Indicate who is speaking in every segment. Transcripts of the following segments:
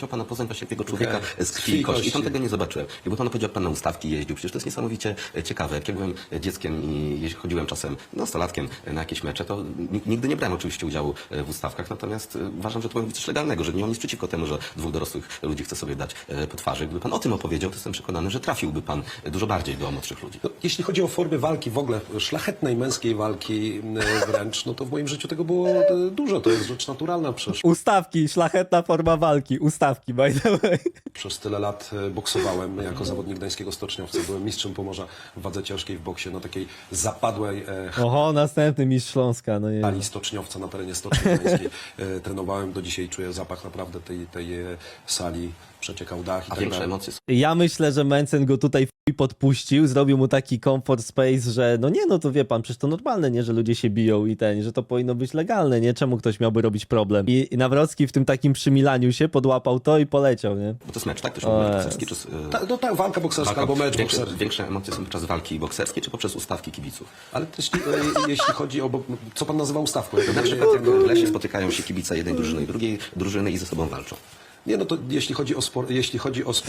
Speaker 1: Chciał pana poznać właśnie tego człowieka z krwi i kości. I tam tego nie zobaczyłem. I bo pan powiedział, jak pan na ustawki jeździł. Przecież to jest niesamowicie ciekawe. Jak ja byłem dzieckiem i chodziłem czasem nastolatkiem na jakieś mecze, to nigdy nie brałem oczywiście udziału w ustawkach. Natomiast uważam, że to powinno być coś legalnego, że nie mam nic przeciwko temu, że dwóch dorosłych ludzi chce sobie dać po twarzy. Gdyby pan o tym opowiedział, to jestem przekonany, że trafiłby pan dużo bardziej do młodszych ludzi.
Speaker 2: No, jeśli chodzi o formy walki, w ogóle szlachetnej, męskiej walki wręcz, no to w moim życiu tego było dużo. To jest rzecz naturalna.
Speaker 3: Ustawki, szlachetna forma walki. Ustawki, by the way.
Speaker 2: Przez tyle lat boksowałem jako zawodnik gdańskiego stoczniowca. Byłem mistrzem Pomorza w wadze ciężkiej w boksie na takiej zapadłej
Speaker 3: Oho, następny mistrz Śląska. No nie.
Speaker 2: hali stoczniowca na terenie Stoczni Gdańskiej. Trenowałem, do dzisiaj czuję zapach naprawdę tej sali. Przeciekał dach i
Speaker 1: A
Speaker 2: tak
Speaker 1: większe
Speaker 2: dalej.
Speaker 1: emocje są.
Speaker 3: Ja myślę, że Mencen go tutaj podpuścił, zrobił mu taki comfort space, że no nie, no to wie pan, przecież to normalne, nie, że ludzie się biją i że to powinno być legalne, nie? Czemu ktoś miałby robić problem? I Nawrocki w tym takim przymilaniu się podłapał to i poleciał, nie?
Speaker 1: Bo to jest mecz, tak? To się mówi mecz bokserski, czy...
Speaker 2: No tak, walka bokserska albo mecz
Speaker 1: większe,
Speaker 2: bokserski.
Speaker 1: większe emocje są podczas walki bokserskiej, czy poprzez ustawki kibiców?
Speaker 2: Ale też, jeśli chodzi o... Co pan nazywa ustawką?
Speaker 1: Na przykład w lesie spotykają się kibice jednej drużyny i drugiej drużyny i ze sobą walczą.
Speaker 2: Nie, no to jeśli chodzi o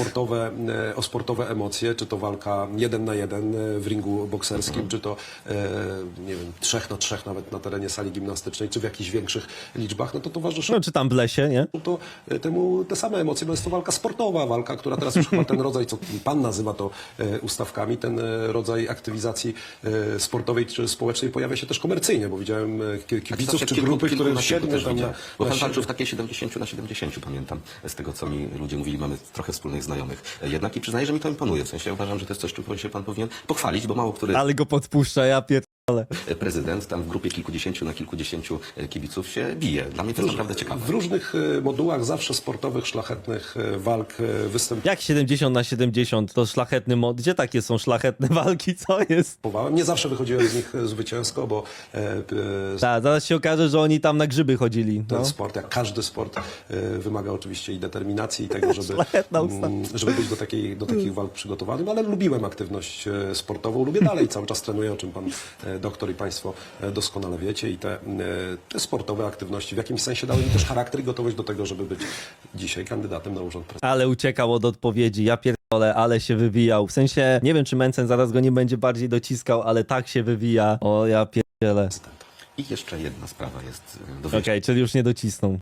Speaker 2: sportowe emocje, czy to walka 1 na 1 w ringu bokserskim, czy to nie wiem, 3 na 3 nawet na terenie sali gimnastycznej, czy w jakichś większych liczbach, no to towarzyszą
Speaker 3: No czy tam w lesie, nie?
Speaker 2: to temu te same emocje, bo jest to walka sportowa, walka, która teraz już chyba ten rodzaj, co pan nazywa to ustawkami, ten rodzaj aktywizacji sportowej czy społecznej pojawia się też komercyjnie, bo widziałem kibiców czy grupy, które siedmiu tam na...
Speaker 1: Bo pan walczył w takiej 70 na 70, pamiętam, z tego, co mi ludzie mówili, mamy trochę wspólnych znajomych. Jednak i przyznaję, że mi to imponuje. W sensie ja uważam, że to jest coś, czym się pan powinien pochwalić, bo mało który
Speaker 3: Ale go podpuszcza, ja pierdolę.
Speaker 1: prezydent tam w grupie kilkudziesięciu na kilkudziesięciu kibiców się bije. Dla mnie to jest naprawdę ciekawe.
Speaker 2: W różnych modułach zawsze sportowych, szlachetnych walk
Speaker 3: Jak 70 na 70 to szlachetny mod? Gdzie takie są szlachetne walki? Co jest?
Speaker 2: występowałem. Nie zawsze wychodziłem z nich zwycięsko, bo
Speaker 3: Tak, zaraz się okaże, że oni tam na grzyby chodzili.
Speaker 2: ten
Speaker 3: No.
Speaker 2: sport, jak każdy sport, wymaga oczywiście i determinacji, i tego,
Speaker 3: Szlachetna ustawa.
Speaker 2: żeby być do takich walk przygotowanym, ale lubiłem aktywność sportową, lubię dalej, cały czas trenuję, o czym pan doktor i państwo doskonale wiecie, i te sportowe aktywności w jakimś sensie dały mi też charakter i gotowość do tego, żeby być dzisiaj kandydatem na urząd prezydenta.
Speaker 3: Ale uciekał od odpowiedzi, ja pierdolę, ale się wywijał. W sensie, nie wiem, czy Mencen zaraz go nie będzie bardziej dociskał, ale tak się wywija. O, ja pierdzielę.
Speaker 1: I jeszcze jedna sprawa jest do
Speaker 3: Okej, czyli już nie docisnął.